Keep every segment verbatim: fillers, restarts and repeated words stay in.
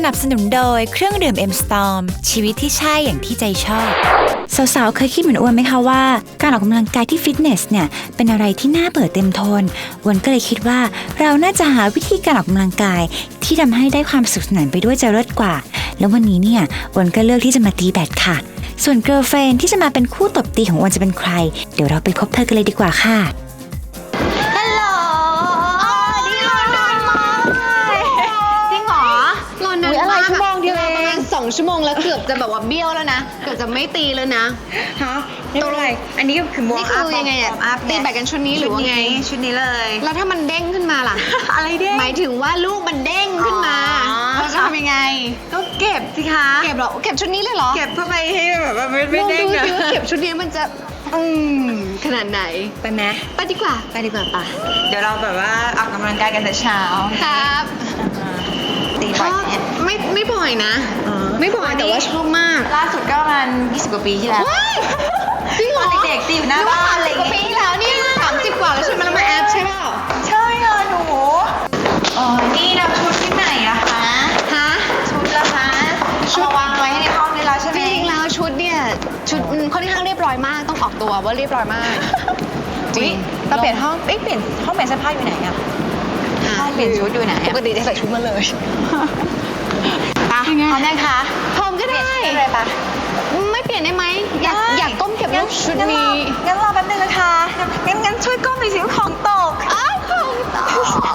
นับสนุนโดยเครื่องดื่ม เอ็ม สตอร์ม ชีวิตที่ใช่อย่างที่ใจชอบสาวๆเคยคิดเหมือนอ้วนไหมคะว่าการออกกำลังกายที่ฟิตเนสเนี่ยเป็นอะไรที่น่าเบื่อเต็มทนอ้วนก็เลยคิดว่าเราน่าจะหาวิธีการออกกำลังกายที่ทำให้ได้ความสุขสนานไปด้วยจะเลิศกว่าแล้ววันนี้เนี่ยอ้วนก็เลือกที่จะมาตีแบดค่ะส่วนเกิร์ลเฟรนด์ที่จะมาเป็นคู่ตบตีของอ้วนจะเป็นใครเดี๋ยวเราไปพบเธอกันเลยดีกว่าค่ะสองชั่วโมงแล้วเกือบจะแบบว่าเบี้ยวแล้วนะเกือบจะไม่ตีแล้วนะฮะไม่เป็นไรอันนี้ก็คือวอร์มอัพนี่คือยังไงอะตีแบดกันชุดนี้หรือว่าไงชุดนี้เลยแล้วถ้ามันเด้งขึ้นมาล่ะอะไรเด้งหมายถึงว่าลูกมันเด้งขึ้นมาเราจะทำยังไงก็เก็บสิคะเก็บหรอเก็บชุดนี้เลยเหรอเก็บเพื่อไปให้แบบว่าไม่เด้งอะดูสิว่าเก็บชุดนี้มันจะอืมขนาดไหนไปไหมไปดีกว่าไปดีกว่าป่ะเดี๋ยวเราแบบว่าออกกำลังกายกันแต่เช้าครับตีบ่อยเนี่ยไม่ไม่บ่อยนะไม่บ่อยแต่ว่าชอบมากล่าสุดก็ประมาณยี่สิบกว่าปีที่แล้วจริงเหรอเด็กๆตีอยู่หน้าบ้านอะไรอย่างเงี้ยปีแล้วเนี่ยสามสิบกว่าแล้วใช่ไหมแล้วมาแอปใช่เปล่าใช่ค่ะหนูอ๋อนี่นะชุดที่ไหนอะคะฮะชุดละคะชุดวางไว้ให้ในห้องนี่แล้วใช่ไหมจริงๆแล้วชุดเนี่ยชุดค่อนข้างเรียบร้อยมากต้องออกตัวว่าเรียบร้อยมากจริงเราเปลี่ยนห้องเอ๊ะเปลี่ยนห้องเปลี่ยนเสื้อผ้าอยู่ไหนอะห้องเปลี่ยนชุดอยู่ไหนปกติจะใส่ชุดมาเลยพร้อมยังคะพร้อมก็ได้เลยปะไม่เปลี่ยนได้ไหมอยากอยากก้มเก็บรูปชุดนี้งั้นรอแป๊บนึงนะคะงั้นงั้นช่วยก้มหน่อยสิของตกอ้าวของตก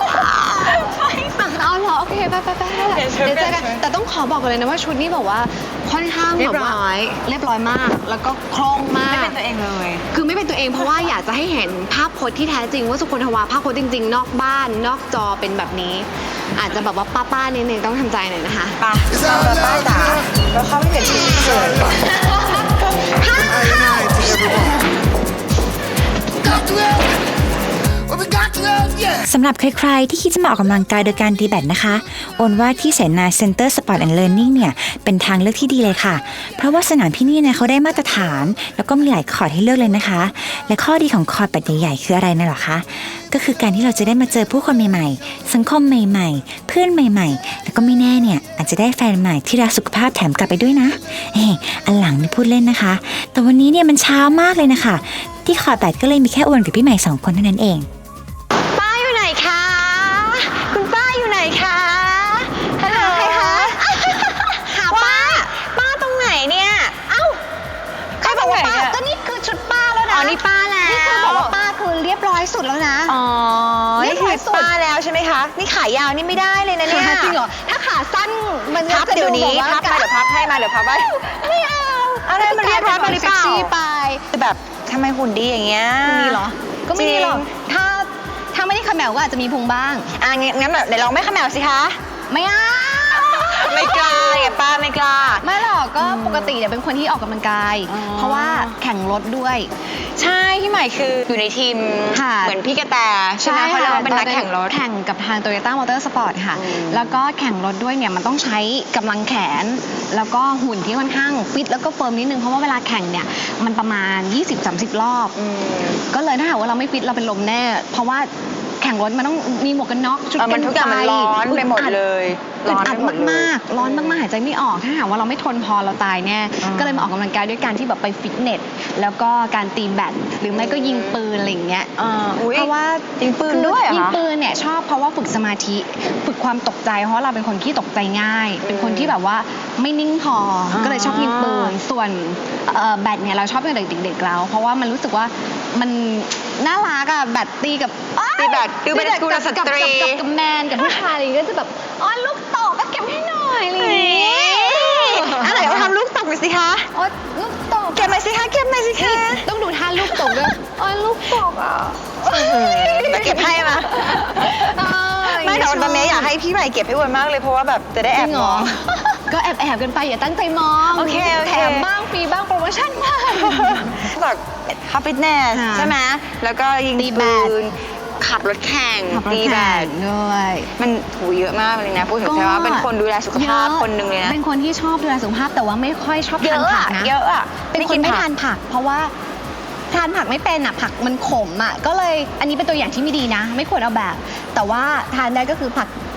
เอาเหรอโอเคไปไปไปเดี๋ยวเจอกันแต่ต้องขอบอกกันเลยนะว่าชุดนี้แบบว่าค่อนข้างแบบว่าเรียบร้อยมากแล้วก็คล่องมากไม่เป็นตัวเองเลยคือไม่เป็นตัวเองเพราะว่าอยากจะให้เห็นภาพพจน์ที่แท้จริงว่าสุคนทวาภาพพจน์จริงๆนอกบ้านนอกจอเป็นแบบนี้อาจจะแบบว่าป้าๆนิดนึงต้องทำใจหน่อยนะคะป้าป้าจ๋าเราเข้าไปเปลี่ยนชุดเสร็จก่อนสำหรับใครๆที่คิดจะมาออกกำลังกายโดยการตีแบดนะคะโอนว่าที่เสนา Center Sport and Learning เนี่ยเป็นทางเลือกที่ดีเลยค่ะเพราะว่าสนามที่นี่เนี่ยเขาได้มาตรฐานแล้วก็มีหลายคอร์ตให้เลือกเลยนะคะและข้อดีของคอร์ตแบบใหญ่ๆคืออะไรนะหรอคะก็คือการที่เราจะได้มาเจอผู้คนใหม่ๆสังคมใหม่ๆเพื่อนใหม่ๆแล้วก็ไม่แน่เนี่ยอาจจะได้แฟนใหม่ที่รักสุขภาพแถมกลับไปด้วยนะเฮ้อันหลังไม่พูดเล่นนะคะแต่วันนี้เนี่ยมันเช้ามากเลยนะคะที่คอร์ตแบดก็เลยมีแค่โอนกับพี่ใหม่สองคนเท่านั้นเองคุณป้าอยู่ไหนคะฮัลโหลใครคะหาป้าป้าตรงไหนเนี่ยเอ้าใครบอกว่าป้าก็นี่คือชุดป้าแล้วนะอ๋อนี่ป้าแล้วนี่คือบอกว่าป้าคือเรียบร้อยสุดแล้วนะอ๋อนี่คือป้าแล้วใช่ไหมคะนี่ขายาวนี่ไม่ได้เลยนะเนี่ยจริงเหรอถ้าขาสั้นมันพับเดี๋ยวนี้พับไปเดี๋ยวพับให้มาเดี๋ยวพับไปไม่เอาอะไรมันเรียบร้อยไปหรือเปล่าไปแบบทำไมหุ่นดีอย่างเงี้ยมีเหรอก็ไม่มีหรอกถ้าถ้าไม่ได้ขมแมวก็อาจจะมีพุงบ้างอ่ะงั้นแบบเดี๋ยวลองไม่ขมแมวสิคะไม่เอาไม่กล้าอย่าป้าไม่กล้าไม่หรอกก็ปกติเนี่ยเป็นคนที่ออกกำลังกายเพราะว่าแข่งรถด้วยใช่พี่ใหม่คืออยู่ในทีมเหมือนพี่กระแตใช่ไหมเพราะเราเป็นนักแข่งรถแข่งกับทาง Toyota Motor Sport ค่ะแล้วก็แข่งรถด้วยเนี่ยมันต้องใช้กำลังแขนแล้วก็หุ่นที่ค่อนข้างฟิตแล้วก็เฟิร์มนิดนึงเพราะว่าเวลาแข่งเนี่ยมันประมาณ ยี่สิบถึงสามสิบ รอบก็เลยถ้าหากว่าเราไม่ฟิตเราเป็นลมแน่เพราะว่าแข่งรถมันต้องมีหมวกกันน็อกชุดกันไฟมันร้อนไปหมดเลยร้อนอัดมากๆร้อนมากๆหายใจไม่ออกถ้าหากว่าเราไม่ทนพอเราตายแน่ก็เลยมาออกกำลังกายด้วยการที่แบบไปฟิตเนสแล้วก็การตีแบดหรือไม่ก็ยิงปืนอะไรอย่างเงี้ยเพราะว่ายิงปืนด้วยยิงปืนเนี่ยชอบเพราะว่าฝึกสมาธิฝึกความตกใจเพราะเราเป็นคนที่ตกใจง่ายเป็นคนที่แบบว่าไม่นิ่งพอก็เลยชอบยิงปืนส่วนแบดเนี่ยเราชอบตั้งแต่เด็กๆแล้วเพราะว่ามันรู้สึกว่ามันน่ารักอะแบดตีกับตีแบดดูเป็นกุลสตรีกับแมนกับผู้ชายอะไรก็จะแบบอ๋อลูกตกก็เก็บให้หน่อยอะไรอย่างเงี้ยอะไรเอาทำลูกตกหน่อยสิคะอ๋อลูกตกเก็บหน่อยสิคะเก็บหน่อยสิคะต้องดูท่าลูกตกด้วยอ๋อลูกตกอ่ะจะเก็บให้มาไม่แต่ตอนนี้อยากให้พี่ใหม่เก็บให้อ้วนมากเลยเพราะว่าแบบจะได้แอบมองก็แอบแอบกันไปอย่าตั้งใจมองโอเคโอเคแถมบ้างฟรีบ้างโปรโมชั่นบ้างจากเข้าฟิตเนสใช่ไหมแล้วก็ยิงปืนขับรถแข่งตีแบดด้วยมันถูเยอะมากเลยนะพูดถึงใช่ว่าเป็นคนดูแลสุขภาพคนหนึ่งเลยนะเป็นคนที่ชอบดูแลสุขภาพแต่ว่าไม่ค่อยชอบทานผักนะเยอะอ่ะเป็นคนไม่ทานผักเพราะว่าทานผักไม่เป็นอ่ะผักมันขมอ่ะก็เลยอันนี้เป็นตัวอย่างที่ไม่ดีนะไม่ควรเอาแบบแต่ว่าทานได้ก็คือผัก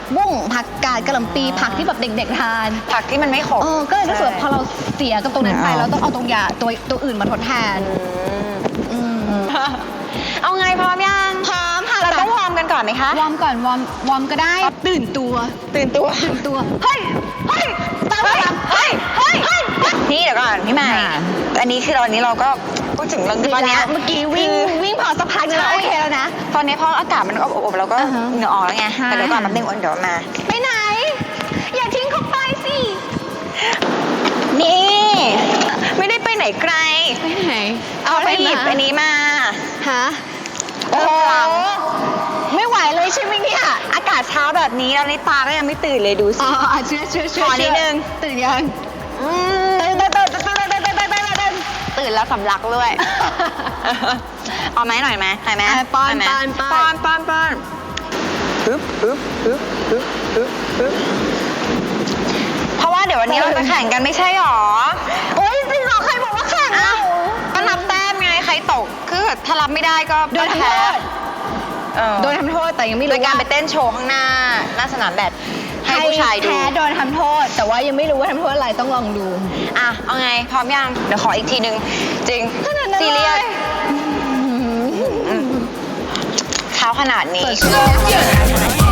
บุ้งผักกาดกระหล่ำปีผักที่แบบเด็กๆทานผักที่มันไม่ขมเออก็เลยรู้สึกว่าพอเราเสียกับตรงนั้นไปเอาเราต้องเอาตรงยาตัวตัวอื่นมาทดแทน อืมเอาไงพร้อมยังพร้อมค่ะเราต้องวอร์มกันก่อนไหมคะวอร์มก่อนวอร์มวอร์มก็ได้ตื่นตัวตื่นตัวตื่นตัวเฮ้ยเฮ้ยตามเฮ้ยตามเฮ้ยเฮ้ยเฮ้ยนี่เดี๋ยวก่อนพี่ใหม่ค่ะอันนี้คือตอนนี้เราก็พูดถึงเรื่องตอนเนี้ยเมื่อกี้วิ่งคือวิ่งพอสักพักนึงแล้วใช่โอเคแล้วนะตอนนี้พออากาศมันอบๆเราก็อ่าฮะเหงื่อออกแล้วไงใช่แต่เดี๋ยวก่อนแป๊บนึงเดี๋ยวมาไปไหน อย่าทิ้งเขาไปสินี่ ไม่ได้ไปไหนไกลไปไหนเอาไปหยิบมาอันนี้มาฮะโอ้โหไม่ไหวเลยใช่ไหมเนี่ยอากาศเช้าแบบนี้แล้วในตาก็ยังไม่ตื่นเลยดูสิอ๋อเชื่อเชื่อเชื่ขอนิดนึงตื่นยังอืมตื่นตื่นตื่นตื่นตื่นตื่นตื่นตื่นตื่นตื่นตื่นแล้วสำลักด้วย เอาไหมหน่อยไหมหน่อยไหมอ่ะป้อนหยไหมป้อนป้ป้ออน นป้อนป้อนฮึบฮึบฮึบฮึบฮึบฮึบเพราะว่าเดี๋ยววันนี้เราจะแข่งกันไม่ใช่หรอโอ๊ยจริงเหรอใครบอกว่าแข่งอ้าเราวก็นับแต้มไงใครตกคือถ้ารับไม่ได้ก็โดนทำโทแพ้ษเออโดนทำโทษแต่ยังไม่โดรู้ยการว่าไปเต้นโชว์ข้างหน้าหน้าสนามแบดให้ผู้ชายดูแพ้โดนทำโทษ แต่ว่ายังไม่รู้ว่าทำโทษอะไรต้องลองดูอ่ะ เอาไง พร้อมยัง เดี๋ยวขออีกทีนึง จริงขนาดนั้นซีเรียสเลยเท้าขนาดนี้สดชื่น